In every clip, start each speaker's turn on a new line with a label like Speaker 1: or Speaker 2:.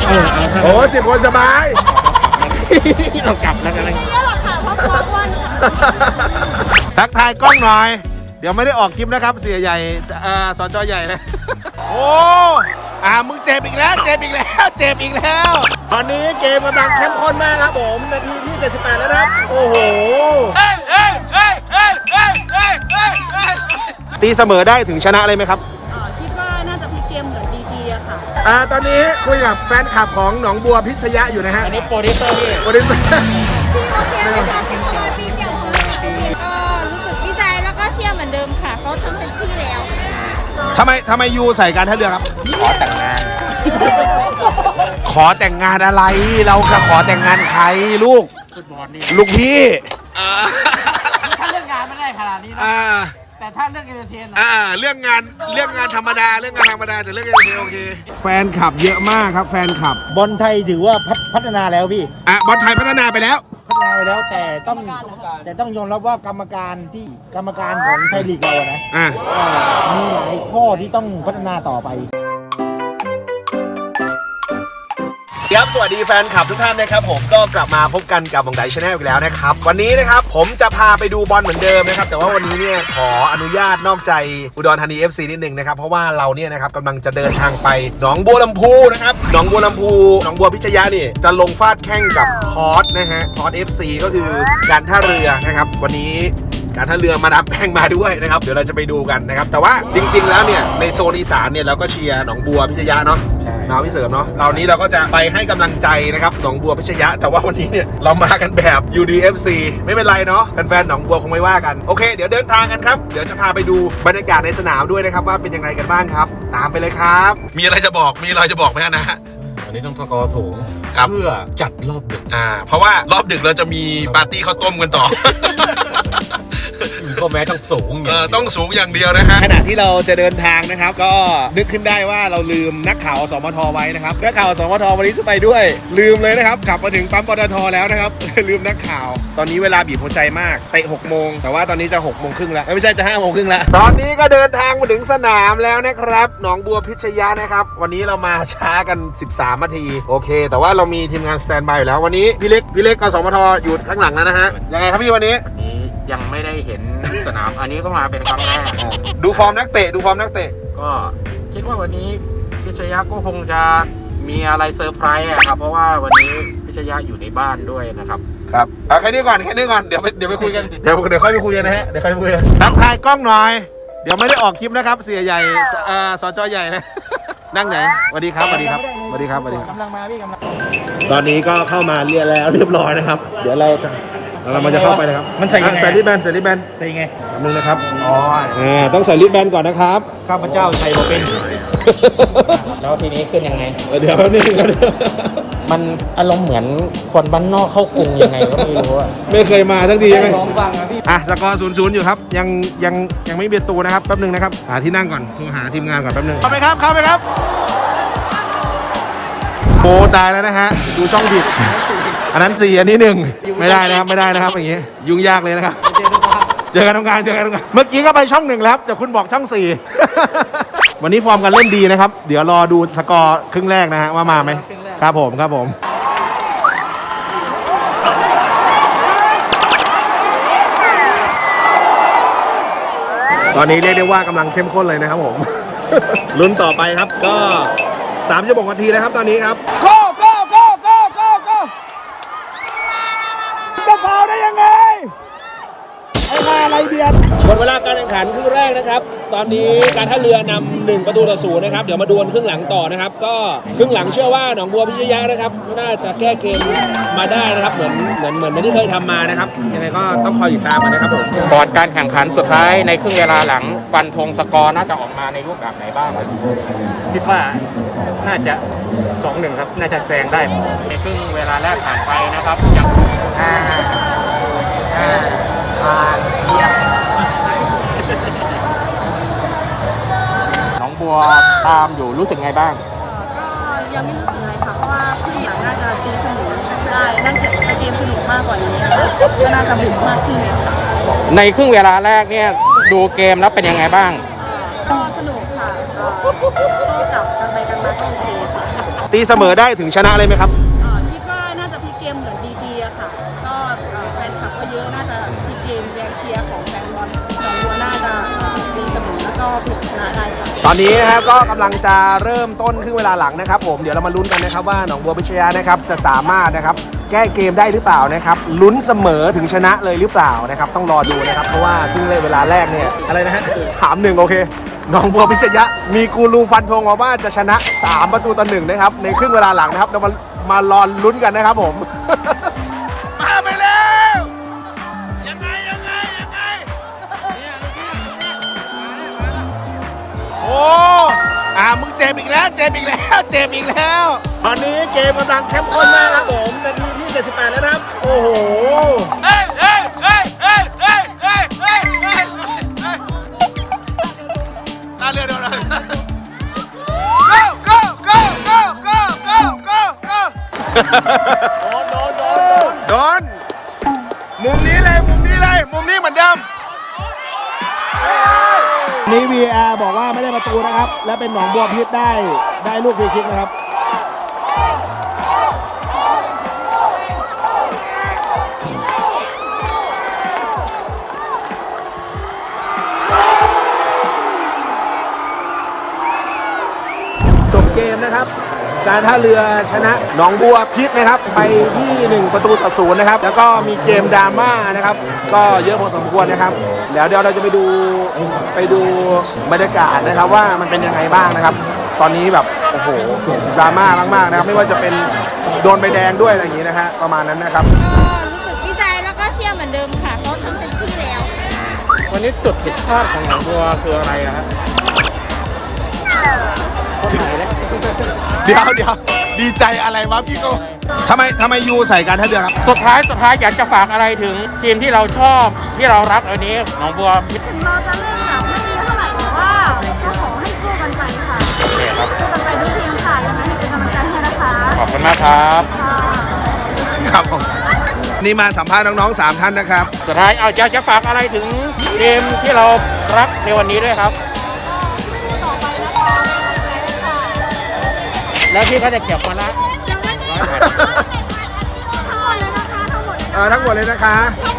Speaker 1: โอ้10 คนสบาย
Speaker 2: เรากลับแล้วกันเลย
Speaker 3: ไม่หรอกค่ะเพราะกลัวอ้วนค่ะ
Speaker 1: ทักทายกล้องหน่อยเดี๋ยวไม่ได้ออกคลิปนะครับเสียใหญ่สจใหญ่นะโอ้มึงเจ็บอีกแล้วเจ็บอีกแล้วตอนนี้เกมกำลังเข้มข้นมากครับผมนาทีที่78แล้วนะครับโอ้โหตีเสมอได้ถึงชนะเลยไหมครับ
Speaker 3: คิดว่าน่าจะพลิกเกมเหมือนดีๆอะค่ะ
Speaker 1: ตอนนี้คุยกับแฟนคลับของหนองบัวพิชยะอยู่นะฮะ
Speaker 2: อันนี้โปรดิวเซอร์พี่
Speaker 3: โอเคนะคะเป็นสบายปีเก่งเลยก็รู้สึกดีใจแล้วก็เชียร์เหมือนเดิมค่ะเขาทำเต็มที่แล้ว
Speaker 1: ทำไมยูใส่การท่าเรือครับ
Speaker 2: ขอแต่งงาน
Speaker 1: อะไรเราจะขอแต่งงานใครลูก
Speaker 2: ฟุตบอลนี่
Speaker 1: ลูกพี่
Speaker 2: ถ้าเรื่องงานไม่ได้ขนาดนี้นะแต่ถ้าเรื่องเอนเตอร์เทน
Speaker 1: เรื่องงานธรรมดาแต่เรื่องเอนเตอร์เทนโอเคแฟนคลับเยอะมากครับแฟนคลับบ
Speaker 2: อลไทยถือว่าพัฒนาแล้วพี่
Speaker 1: บอลไทยพัฒนาไปแล้ว
Speaker 2: แต่ต้องยอมรับว่ากรรมการของไทยลีกเรานะมีหลายข้อที่ต้องพัฒนาต่อไป
Speaker 1: ครับสวัสดีแฟนคลับทุกท่านนะครับผมก็กลับมาพบกันกับวงไดชาแนลอีกแล้วนะครับวันนี้นะครับผมจะพาไปดูบอลเหมือนเดิมนะครับแต่ว่าวันนี้เนี่ยขออนุญาตนอกใจอุดรธานี FC นิดนึงนะครับเพราะว่าเราเนี่ยนะครับกำลังจะเดินทางไปหนองบัวลำพูนะครับหนองบัวพิชยะนี่จะลงฟาดแข่งกับพอร์ตนะฮะพอร์ต FC ก็คือการท่าเรือนะครับวันนี้การท่าเรือมาดามแป้งมาด้วยนะครับเดี๋ยวเราจะไปดูกันนะครับแต่ว่าจริงๆแล้วเนี่ยในโซนอีสานเนี่ยเราก็เชียร์หนองบัวพิชยะเนาะนาวิเสริมเนาะเรานี้เราก็จะไปให้กำลังใจนะครับหนองบัวพิชยะแต่ว่าวันนี้เนี่ยเรามากันแบบ UDFC ไม่เป็นไรเนาะแฟนๆหนองบัวคงไม่ว่ากันโอเคเดี๋ยวเดินทางกันครับเดี๋ยวจะพาไปดูบรรยากาศในสนามด้วยนะครับว่าเป็นยังไงกันบ้างครับตามไปเลยครับมีอะไรจะบอกไหมนะ
Speaker 2: วันนี้ต้องสกอร์สูงเพื่อจัดรอบดึก
Speaker 1: เพราะว่ารอบดึกเราจะมีปาร์ตี้ข้าวต้มกันต่อ
Speaker 2: ก็แม้ต้องสูง
Speaker 1: ต้องสูงอย่างเดียวนะฮะขณะที่เราจะเดินทางนะครับก็นึกขึ้นได้ว่าเราลืมนักข่าวสมทไว้นะครับนักข่าวสมทวันนี้จะไปด้วยลืมเลยนะครับกลับมาถึงปั๊มปตทแล้วนะครับลืมนักข่าวตอนนี้เวลาบีบหัวใจมากเตะ6 โมงแต่ว่าตอนนี้จะ6 โมงครึ่งแล้วไม่ใช่จะ5 โมงครึ่งแล้วตอนนี้ก็เดินทางมาถึงสนามแล้วนะครับหนองบัวพิชยะนะครับวันนี้เรามาช้ากัน13 นาทีโอเคแต่ว่าเรามีทีมงานสแตนบายอยู่แล้ววันนี้พี่เล็กกับสมทอยู่ข้างหลังแล้วนะฮะยังไงครับพี่วันนี้
Speaker 2: ยังไม่ได้เห็นสนามอันนี้ก็มาเป็นครั้งแรก
Speaker 1: ดูฟอร์มนักเตะ
Speaker 2: ก็คิดว่าวันนี้พิชยะก็คงจะมีอะไรเซอร์ไพรส์ครับเพราะว่าวันนี้พิชยะอยู่ในบ้านด้วยนะครับ
Speaker 1: ครับแค่นี้ก่อนเดี๋ยวไปคุยกันเดี๋ยวค่อยไปคุยกันนะฮะทักทายกล้องหน่อยเดี๋ยวไม่ได้ออกคลิปนะครับเสียใหญ่สจใหญ่นะนั่งไหนสวัสดีครับกำลังมาพี่ตอนนี้ก็เข้ามาเรียบร้อยนะครับเดี๋ยวเราจะเข้าไปนะครับ
Speaker 2: มันใส่ยังไง
Speaker 1: ใส่ลิบแบนใส่
Speaker 2: ไง
Speaker 1: นึงนะครับต้องใส่ลิบแบนก่อนนะครับ
Speaker 2: ข้าพเจ้าใส่มาเป็นแล้วทีนี้ขึ้นยังไง
Speaker 1: เดี๋ยวแป๊บนึง
Speaker 2: มันอารมณ์เหมือนคนบ้านนอกเข้ากรุงยังไงก็ไม่รู้อะ
Speaker 1: ไม่เคยมาทั้งทีใช่ไหม
Speaker 2: ร้องฟังนะพี่
Speaker 1: สกอร์0-0อยู่ครับยังไม่เบียดตูนะครับแป๊บนึงนะครับหาที่นั่งก่อนโทรหาทีมงานก่อนแป๊บนึงเข้าไปครับโอ้ตายแล้วนะฮะดูช่องผิดอันนั้น4อันนี้1ไม่ได้นะครับอย่างงี้ยุ่งยากเลยนะครับเจอกันตรงกลางเมื่อกี้ก็ไปช่อง1แล้วแต่คุณบอกช่อง4วันนี้ฟอร์มกันเล่นดีนะครับเดี๋ยวรอดูสกอร์ครึ่งแรกนะฮะว่ามาไหมครับผมตอนนี้เรียกได้ว่ากำลังเข้มข้นเลยนะครับผมลุ้นต่อไปครับก็36 นาทีแล้วครับตอนนี้ครับโก้จะฟาวได้ยังไงอะไรเบียดหมดเวลาการแข่งขันครึ่งแรกนะครับตอนนี้การท่าเรือนำ1-0นะครับเดี๋ยวมาดวลครึ่งหลังต่อนะครับก็ครึ่งหลังเชื่อว่าหนองบัวพิชยะนะครับน่าจะแก้เกมมาได้นะครับเหมือนที่เคยทำมานะครับยังไงก็ต้องคอยติดตามกันนะครับผม
Speaker 2: ก่อนการแข่งขันสุดท้ายในครึ่งเวลาหลังฟันธงสกอร์น่าจะออกมาในรูปแบบไหนบ้าง
Speaker 4: คิดว่าน่าจะ 2-1 ครับน่าจะแซงได้
Speaker 2: ในครึ่งเวลาแรกผ่านไปนะครับยังน้องบัวตามอยู่รู้สึกไงบ้าง
Speaker 3: ก็ยังไม่รู้สึกอะไรค่ะเพราะว่าครึ่งหลังน่าจะตีสนุกได้น่าจะเกมสนุกมากกว่านี้ก็น่าจะบุกมากขึ้น
Speaker 2: ในครึ่งเวลาแรกเนี่ยดูเกมแล้วเป็นยังไงบ้าง
Speaker 3: ก็สนุกค่ะโต้กลับกันไปกันมาก็โอเคค่ะ
Speaker 1: ตีเสมอได้ถึงชนะเลยไหมครับ
Speaker 3: คิดว่าน่าจะพลิกเกมเหมือน BG อะค่ะก็แฟนคลับก็เยอะน่าจะพลิกเกมแรงเชียร์ของแฟนบอลหนองบัวน่าจะตีเสมอแล้วก็พลิกชนะได้ค่ะ
Speaker 1: ตอนนี้นะครับก็กำลังจะเริ่มต้นครึ่งเวลาหลังนะครับผมเดี๋ยวเรามาลุ้นกันนะครับว่าหนองบัวพิชยะนะครับจะสามารถนะครับแก้เกมได้หรือเปล่านะครับลุ้นเสมอถึงชนะเลยหรือเปล่านะครับต้องรอดูนะครับเพราะว่าครึ่งเวลาแรกเนี่ยอะไรนะฮะถามหนึ่งโอเคหนองบัวพิชยะมีกูรูฟันธงมาว่าจะชนะ3-1นะครับในครึ่งเวลาหลังนะครับเรามารอลุ้นกันนะครับผม มาไปแล้วยังไงโอ้มึงเจ็บอีกแล้วตอนนี้เกมกำลังเข้มข้นมากครับผมนาทีที่78แล้วนะครับโอ้โหน่าเรือเดี๋ยวโดนมุมนี้เลยมุมนี้เหมือนเดิมนี่ VR บอกว่าไม่ได้ประตูนะครับและเป็นหนองบัวพิษได้ลูกฟรีคิกนะครับจบเกมนะครับการท่าเรือชนะหนองบัวพิษนะครับไปที่1-0นะครับแล้วก็มีเกมดราม่านะครับก็เยอะพอสมควรนะครับเดี๋ยวเราจะไปดูบรรยากาศนะครับว่ามันเป็นยังไงบ้างนะครับตอนนี้แบบโอ้โหดราม่ามากๆนะครับไม่ว่าจะเป็นโดนใบแดงด้วยอะไรอย่างนี้นะฮะประมาณนั้นนะครับ
Speaker 3: ก็รู้สึกดีใจแล้วก็เชียร์เหมือนเดิมค่ะเขาทำเต็มที่แล้ว
Speaker 4: วันนี้จุดผิดพลาดของหนองบัวคืออะไรครับคนไหนเนี่ย
Speaker 1: เดี๋ยวดีใจอะไรวะพี่โก้ทำไมยูใส่การท่าเรือครับ
Speaker 4: สุดท้ายอยากจะฝากอะไรถึงทีมที่เราชอบที่เรารักอันนี้หนองบัวพิษ
Speaker 3: ถึงเราจะเล่นแบบไม่ดีเท่าไหร่แต่ว่าก็ขอให้สู้กันไปค่ะ
Speaker 4: โอเคครับ
Speaker 3: สู้กันไปทุกทีมค่ะยังไงให้เป็นกำลังใจให้นะคะ
Speaker 4: ขอบคุณมากครับ
Speaker 1: ครับผมนี่มาสัมภาษณ์น้องๆ3ท่านนะครับ
Speaker 4: สุดท้ายอยากจะฝากอะไรถึงทีมที่เรารักในวันนี้ด้วยครับแล้วพี่ก็จะเก็บมาละ
Speaker 1: ทั้งหมดเลยนะคะ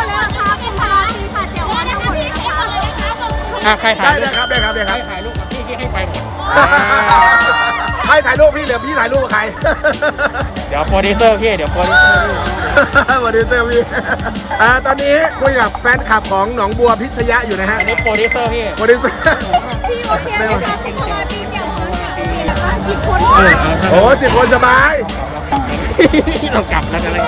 Speaker 4: ใครถ่าย
Speaker 1: ได้ครับ
Speaker 4: ใครถ่ายรูปกับพี่ให้ไปหมด
Speaker 1: ใครถ่ายรูปพี่เหลือพี่ถ่ายรูปกับใคร
Speaker 4: เดี๋ยวโปรดิวเซอร์พี่
Speaker 1: โปรดิวเซอร์พี่ตอนนี้คุยกับแฟนคลับของหนองบัวพิชยะอยู่นะฮะ
Speaker 4: อันนี้โปรดิวเซอร์พี่
Speaker 3: โอเคไหมคะคุณมาปีเดียว10 คน
Speaker 1: โอ้10 คนสบาย
Speaker 4: เรากลับแล้วกันเลย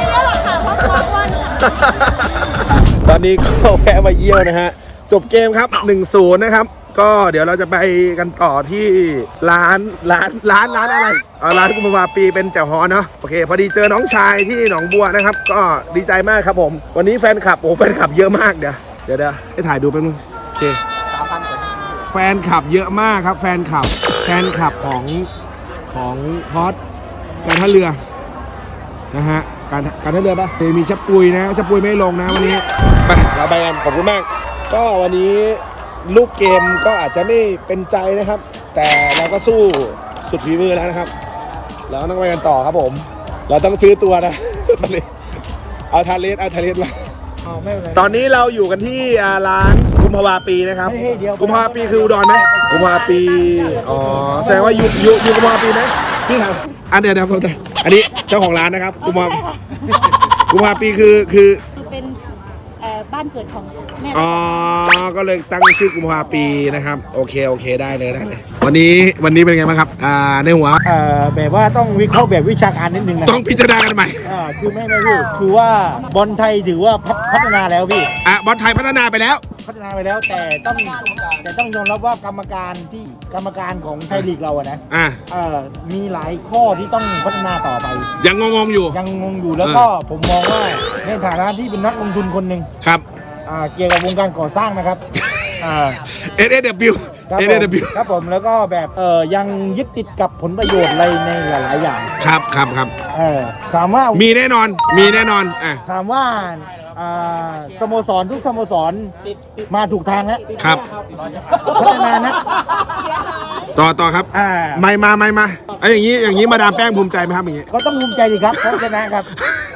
Speaker 1: ตอนนี้ก็แพ้มาเยี่ยวนะฮะจบเกมครับ 1-0 นะครับก็เดี๋ยวเราจะไปกันต่อที่ร้านอะไรร้านกุมภาวาปีเป็นแจ่วฮ้อนเนาะโอเคพอดีเจอน้องชายที่หนองบัวนะครับก็ดีใจมากครับผมวันนี้แฟนคลับแฟนคลับเยอะมากเดี๋ยวให้ถ่ายดูแป๊บนึงโอเคแฟนคลับเยอะมากครับแฟนคลับของพอดการท่าเรือนะฮะการท่าเรือปะมีชับปุยนะชับปุยไม่ลงนะวันนี้ไปเราไปกันขอบคุณมากก็วันนี้ลูกเกมก็อาจจะไม่เป็นใจนะครับแต่เราก็สู้สุดฝีมือแล้วนะครับเราต้องไปกันต่อครับผมเราต้องซื้อตัวนะเอาทาเลสมาตอนนี้เราอยู่กันที่ร้านกุมภาวาปีนะครับกุมภาวาปีคืออุดรไหมกุมภาวาปีอ๋อแสดงว่าอยู่กุมภาวาปีไหมพี่ถามเดี๋ยวผมจะอันนี้เจ้าของร้านนะครับกุมภาวาปีคือ
Speaker 3: เป็นบ้านเกิดของแม่
Speaker 1: ก็เลยตั้งชื่อกุมภาปีนะครับโอเคได้เลยวันนี้เป็นไงบ้างครับในหัว
Speaker 2: แบบว่าต้องวิเคราะห์แบบวิชาการนิดนึงนะ
Speaker 1: ต้องพิจารณากันใหม่
Speaker 2: คือไม่พี่คือว่าบอลไทยถือว่าพัฒนาแล้วพี่
Speaker 1: บอลไทยพัฒนาไปแล้ว
Speaker 2: แต่ต้องยอมรับว่ากรรมการของไทยลีกเราอะนะมีหลายข้อที่ต้องพัฒนาต่อไป
Speaker 1: ยังงงอยู่
Speaker 2: แล้วก็ผมมองว่าในฐานะที่เป็นนักลงทุนคนหนึ่ง
Speaker 1: ครับ
Speaker 2: เกี่ยวกับวงการก่อสร้างนะครับ
Speaker 1: SSW
Speaker 2: ครับผมแล้วก็แบบยังยึดติดกับผลประโยชน์อะไรในหลายๆอย่าง
Speaker 1: ครับ
Speaker 2: ถามว่า
Speaker 1: มีแน่นอน
Speaker 2: ถามว่าสโมสรทุกสโมสรมาถูกทางแล้ว
Speaker 1: ครับ
Speaker 2: พัฒนานัก
Speaker 1: ต่อครับไม่มาไอ้อย่างนี้มาดามแป้งภูมิใจไหมครับอย่างนี้
Speaker 2: ก็ต้องภูมิใจดีครับเพราะชนะครับ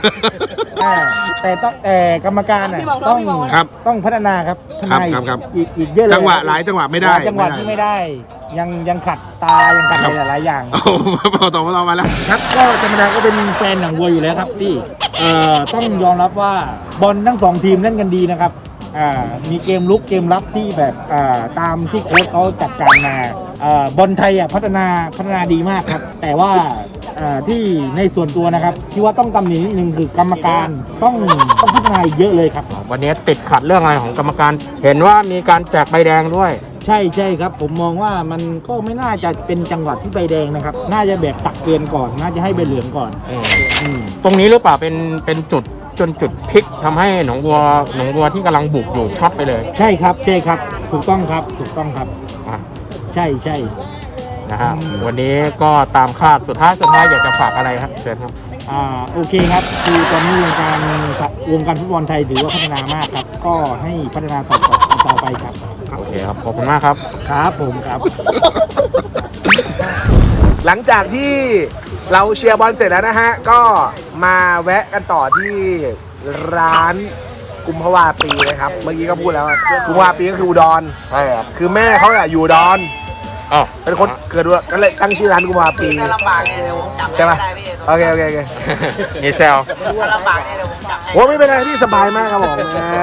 Speaker 2: แต่กรรมการน่ะต้องพัฒนาครับพัฒนาอีกเยอะเลย
Speaker 1: จังหวะหลายจังหวะไม่ได้
Speaker 2: จังหวะที่ไม่ได้ยังขัดตายังขัดหลายอย่าง
Speaker 1: โอ้ต่อมาแล้ว
Speaker 2: ครับก็ธรรมดาก็เป็นแฟนหนังวัวอยู่แล้วครับพี่ต้องยอมรับว่าบอลทั้งสองทีมเล่นกันดีนะครับมีเกมลุกเกมรับที่แบบตามที่โค้ชเขาจัดการมาบอลไทยพัฒนาดีมากครับแต่ว่าที่ในส่วนตัวนะครับที่ว่าต้องตำหนินิดนึงคือกรรมการต้องพัฒนาเยอะเลยครับ
Speaker 4: วันนี้ติดขัดเรื่องอะไรของกรรมการ เห็นว่ามีการแจกใบแดงด้วย
Speaker 2: ใช่ครับผมมองว่ามันก็ไม่น่าจะเป็นจังหวะที่ใบแดงนะครับน่าจะแบบตักเตือนก่อนน่าจะให้ใบเหลืองก่อน
Speaker 4: ตรงนี้หรือเปล่าเป็นจุดพลิกทำให้หนองบัวที่กำลังบุกอยู่ช็อตไปเลย
Speaker 2: ใช่ครับถูกต้องครับใช่
Speaker 4: นะฮะวันนี้ก็ตามคาดสุดท้ายอยากจะฝากอะไรครับเชิญครับ
Speaker 2: โอเคครับคือตอนนี้วงการฟุตบอลไทยถือว่าพัฒนามากครับก็ให้พัฒนาต่อไปครับ
Speaker 4: โอเคครับขอบคุณมากครับ
Speaker 2: ครับผมครับ
Speaker 1: หลังจากที่เราเชียร์บอลเสร็จแล้วนะฮะก็มาแวะกันต่อที่ร้านกุมภาวาปีนะครับเมื่อกี้ก็พูดแล้วว่ากุมภาวาปีก็คืออุดร
Speaker 4: ใช่ครับ
Speaker 1: คือแม่เขาอยู่อุดร
Speaker 4: อ๋อ
Speaker 1: เป็นคนเกิดอุดรก็เลยตั้งชื่อร้านกุมภาวาปี
Speaker 5: ถ้าลำบากเนี่ยเดี๋ยวผมจับ
Speaker 1: ใช่ปะ
Speaker 5: ได้พี่
Speaker 1: โอเค
Speaker 4: มีแซว
Speaker 5: ถ้าลำบากเนี่ยเดี๋ยวผมจับให้
Speaker 1: โอ้ไม่เป็นไรที่สบายมากครับผม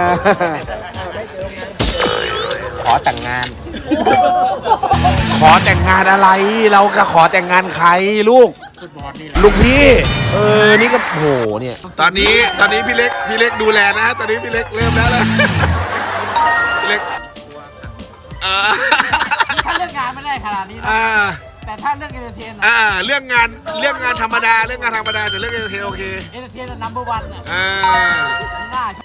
Speaker 4: ขอแต่งงาน
Speaker 1: ขอแต่งงานอะไรเราจะขอแต่งงานใครลูกพี่นี่ก็โหเนี่ยตอนนี้พี่เล็กดูแลนะตอนนี้พี่เล็กเริ่มแล้วเลยพี่เล็ก
Speaker 6: ถ้าเรื่องงานไม่ได้ขนาดนี้นะแต่ถ้าเรื่องเอนเตอร์เทน
Speaker 1: เรื่องงานธรรมดาแต่เรื่องเอนเตอร์เทนโอเค
Speaker 6: เอนเตอร์เทนนัมเบอร์วันน่ะน่า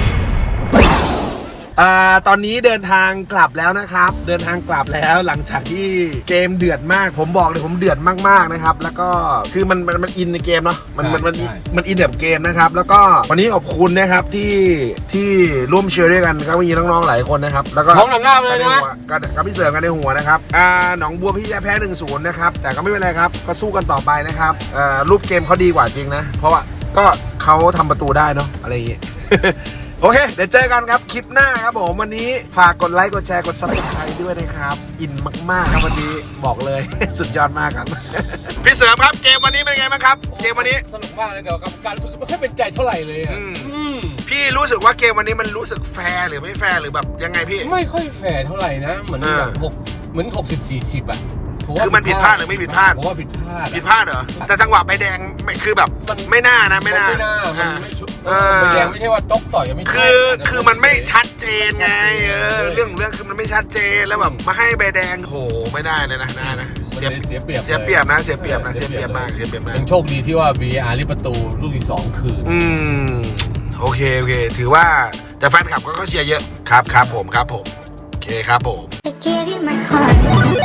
Speaker 1: ตอนนี้เดินทางกลับแล้วนะครับเดินทางกลับแล้วหลังจากที่เกมเดือดมากผมบอกเลยผมเดือดมากๆนะครับแล้วก็คือมันอินในเกมเนาะมันอินแบบเกมนะครับแล้วก็วันนี้ขอบคุณนะครับที่ร่วมเชียร์ด้วยกันก็มีน้องๆหลายคนนะครับแล้วก็
Speaker 4: น้องนำหน้าไปเลยนะ
Speaker 1: กับพี่เสริมกันในหัวนะครับหนองบัวพี่แพ้ 1-0 นะครับแต่ก็ไม่เป็นไรครับก็สู้กันต่อไปนะครับรูปเกมเขาดีกว่าจริงนะเพราะว่าก็เขาทำประตูได้เนาะอะไรอย่างงี้ โอเคเดี๋ยวเจอกันครับคลิปหน้าครับผมวันนี้ฝากกดไลค์กดแชร์กด Subscribe ด้วยนะครับอินมากๆครับวันนี้บอกเลย สุดยอดมากครับ พี่เสริมครับเกมวันนี้เป็นไงบ้างครับเกมวันนี้
Speaker 7: สนุกมากเลยแต่กับการรู้สึกไม่ค่อยเป็นใจเท่าไหร่เลยอ่ะ
Speaker 1: พี่รู้สึกว่าเกมวันนี้มันรู้สึกแฟร์หรือไม่แฟร์หรือแบบยังไงพี่
Speaker 7: ไม่ค่อยแฟร์เท่าไหร่นะเหมือนแบบเหมือน60-40อ่ะ
Speaker 1: คือมันผิดพลาดหรือไม่ผิดพลาด
Speaker 7: ผมว่าผิดพลาด
Speaker 1: ผิดพลาดเหรอแต่จังหวะใบแดงคือแบบไม่น่านะไม่น่า
Speaker 7: มันไม่ชุบใบแดงไม่ใช่ว่าตกต่อยยังไม่ใช่
Speaker 1: คือมันไม่ชัดเจนไงเรื่องคือมันไม่ชัดเจนแล้วแบบมาให้ใบแดงโหไม่ได้เลยนะเสียเปรียบนะเสียเปรียบมาก
Speaker 7: ยังโชคดีที่ว่า VAR รีบประตูลูกที่2คืน
Speaker 1: โอเคถือว่าแต่แฟนคลับก็เชียร์เยอะครับผมโอเคครับผม
Speaker 8: I gave you my heart.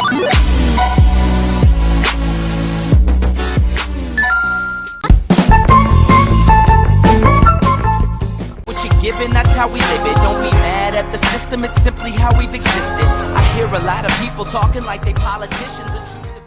Speaker 9: What you're giving, that's how we live it. Don't be mad at the system, it's simply how we've existed. I hear a lot of people talking like they politicians and choose to